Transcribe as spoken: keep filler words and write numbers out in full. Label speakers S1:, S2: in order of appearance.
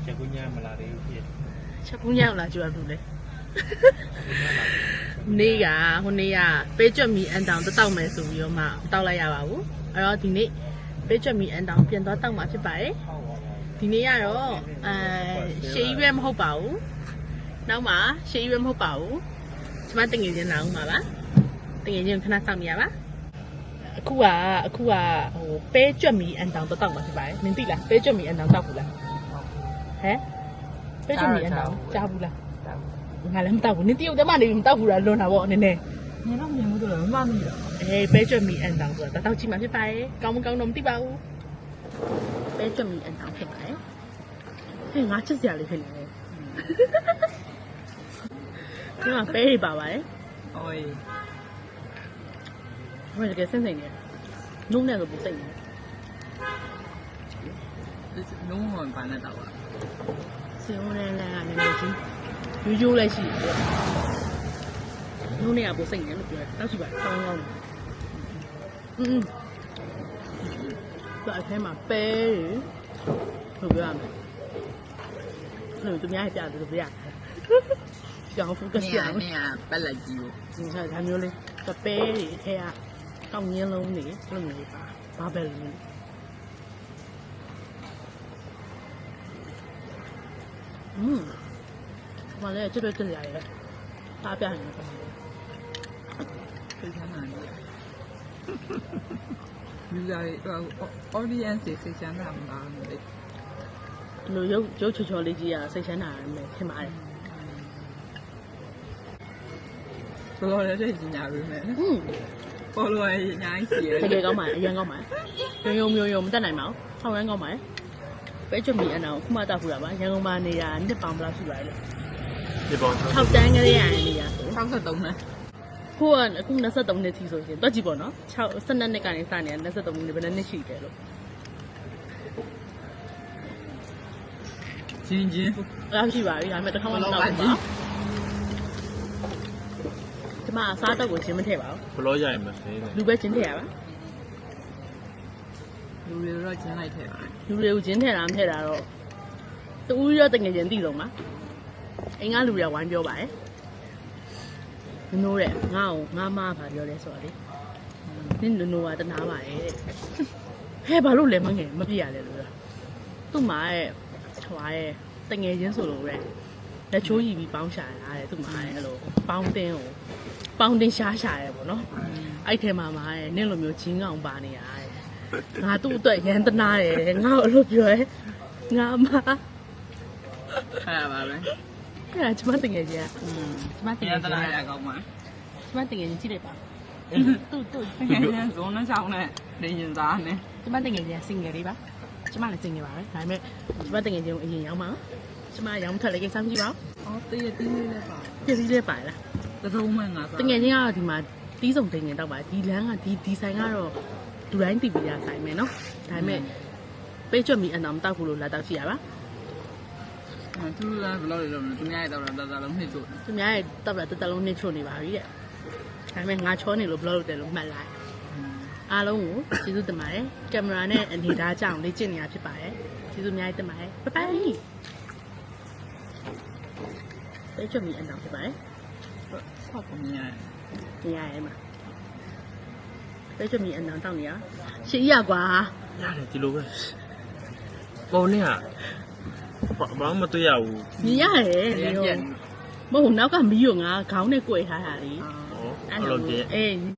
S1: ချက်ကူးညမလာသေးဘူးဖြစ်
S2: ချက်ကူးညလာကြွားလို့လေနေ့ကဟိုနေ့ကပေးကြွမီအန်တောင်တောက်မယ်ဆိုပြီးတော့မှတောက်လိုက်ရပါဘူးအဲ့တော့ဒီနေ့ပေးကြွမီအန်တောင်ပြန်သွားတောက်မှာဖြစ်ပါတယ်ဒီနေ့ကတော့အဲရှေးရွယ်မဟုတ်ပါဘူးနောက်မှရှေးရွယ်မဟုတ်ပါဘူးကျမတငယ်ချင်းလာအောင်ပါပါတငယ်ချင်းခဏစောင့်နေရပါအခုကအခုကဟိုပဲကြွက်မီအန်တောင်တောက်မှာဖြစ်ပါတယ်နင်သိလားပဲကြွက်မီအန်တောင်တောက်ဘူးလားဟမ်ပဲကြွက်မီအန်တောင်ကြားဘူးလားငါလည်းမတောက်ဘူးနင်တရုတ်တမနေမတောက်ဘူးလားလွန်တာပေါ့နည်းနည်း
S3: နင်တော့မြင်မှုတော့မမှန်ဘူးတော့
S2: အေးပဲကြွက်မီအန်တောင်ဆိုတာတောက်ကြည့်မှာဖြစ်ပါတယ်ကောင်းမကောင်းတော့မသိပါဘူးပဲကြွက်မီအန်တောင်ဖြစ်ပါတယ်ဟဲ့ငါချစ်စရာလေးဖြစ်နေတယ်ဒီမှာပဲတွေပါပါတယ်
S3: အိုး
S2: ဘယ်လိုလဲစင်စင်နေနုံးနေတော့ပူစိတ်နေ
S3: လုံးဝဘာနဲ့တော့
S2: စင်ဦးနဲ့လည်းကလည်းကြီးရိုးရိုးလည်းရှိတယ်နုံးနေကပူစိတ်နေလို့ပြောတောက်ကြည့်ပါကောင်းကောင်းอืมဒါအထဲမှာပဲတွေဘယ်လိုပြောရမလဲသူများပြတယ်လို့ပြရတယ်ကြောင်ဖုကစရအောင်
S3: နေရပက်လက်ကြီးကို
S2: ဒီကဒါမျိုးလေးတပဲတွေအထက်ကကောင်းငင်းလုံးတွေဘယ်လိုမျိုးပါဘာပဲလို့อืมဘာလဲကျွတ်ကျွတ်ရရဲအားပြနေတယ်
S3: သိချမ်းတာလူသားတွေဟို audience တွေသိချမ်းတာမှာလေ
S2: ဒီလိုရုပ်ရုပ်ချောချောလေးကြီးอ่ะစိတ်ချမ်းသာတယ်ထင်ပါတယ်
S3: ဘလို့လည်းသိချင်ကြပြီမဲ့
S2: อืม
S3: ပေါ်လို့ရအများကြီးရှိတယ်
S2: တကယ်ကောင်းပါအရင်ကောင်းပါရုံရုံမျိုးရုံမတက်နိုင်ပါဘူးထောင်ရမ်းကောင်းပါပဲကျွတ်မီအန်အောင်ခုမှတောက်ခူတာပါရန်ကုန်မှာနေတာနှစ်ပေါင်ဘလောက်ရှိပါလဲ
S1: ဒီပေါင်
S2: ၆တန်းကလေးရနေရ
S3: ၆၃နဲ့
S2: ခုကအခု၂၃နှစ်ထိဆိုရင်တွက်ကြည့်ပေါ့နော်၆၁၂နှစ်ကနေစနေတာ၂၃နှစ်ဘယ်နှစ်နှစ်ရှိတယ်လို့
S3: ချင်းချင်း
S2: အဲ့ရှိပါပြီဒါပေမဲ့တစ်ခါမှမတောက်ဘူးဒီမှာအစားတော့ကိုချင်းမထည့်ပါဘူး
S1: ဘလောရရင်မသေး
S2: ဘူးလူပဲချင်းထည့်ရပါ
S3: လူတွေတော့ချင်းလိုက်ထည့်ပါ
S2: လူတွေကိုချင်းထည့်တာမထည့်တာတော့တူးရောတငယ်ချင်းသိဆုံးပါအိမ်ကလူတွေကဝိုင်းပြောပါတယ်နိုးတဲ့ငါ့ကိုငါမပါပြောလဲဆိုတော့လေနင်နိုးကတနာပါရဲ့ဟဲ့ဘာလို့လဲမငယ်မပြရလဲလို့သူ့မှာရဲ့ဟွာရဲ့တငယ်ချင်းဆိုလို့ရဲလက်ချိုးရီပြီးပေါင်းရှာရတာတဲ့သူ့မှာရဲ့အဲ့လိုပေါင်းတင်းကိုပေါင်းတင်းရှားရှာရဲပေါ့နော်အဲ့ထဲမှာမှာရဲ့နင့်လိုမျိုးချင်းကောင်ပါနေရတဲ့ငါသူ့အတွက်ရန်တနာတယ်ငါ့ကိုအဲ့လိုပြောရဲငါမ
S3: အဲ့ဒါပါပဲ
S2: အဲ့ဒါကျမတငယ်ချင်းอ่ะကျမတငယ်ချင်း
S3: တနာရကောင်းပါ
S2: ကျမတငယ်ချင်းကြည့်လိုက်ပါတူတူ
S3: တငယ်ချင်းဇုံးနှချောင်းနဲ့နေရင်သားနဲ့
S2: ကျမတငယ်ချင်းစင်ငယ်လေးပါကျမလည်းစင်ငယ်ပါပဲဒါပေမဲ့ကျမတငယ်ချင်းကိုအရင်ရောက်မှာကျမရောင်းထွက်လိုက်ကိစ္စမရှိပါဘူး
S3: အော်တည့်ရတီးလေးလည်းပါ
S2: တည့်လေးပါလား
S3: တစုံမှငါ
S2: တငယ်ချင်းကတော့ဒီမှာတီးစုံတင်ငင်တော့ပါဒီလမ်းကဒီဒီဆိုင်ကတော့လူတိုင်းတည်ပြီးရဆိုင်မယ်နော်ဒါပေမဲ့ပေးချွတ်မီအန်တော်မတောက်ဘူးလို့လာတောက်ရှိရပါ
S3: သူလည်းဘယ်လိုလဲလို့သူများရဲ့တော့တတလုံးနှိမ့်ချို့
S2: သူများရဲ့တော့တတလုံးနှိမ့်ချို့နေပါပြီတဲ့ဒါပေမဲ့ငါချောနေလို့ဘယ်လိုလုပ်တယ်လို့မှတ်လိုက်အားလုံးကိုကျေးဇူးတင်ပါတယ်ကင်မရာနဲ့အနေသားကြောင်လေ့ကျင့်နေရဖြစ်ပါတယ်ကျေးဇူးအများကြီးတင်ပါတယ်ဘိုင်ဘိုင်ပေးချွတ်မီအန်တော်ဖြစ်ပါတယ်
S3: ဟုတ်ပါမြင်
S2: ရရရမှာပေးချွတ်မီအန်တော်တောက်နေရရှေ့ရကွာ
S1: ရတယ်ဒီလိုပဲပုံနဲ့ဘာမှမတွေ့ရဘူး
S2: မြင်ရတယ်မဟုတ်နောက်ကမီးကိုငါခေါင်းနဲ့ကြွယ်ထားတာလေ
S1: အဲ့လိုတည်း
S2: အေး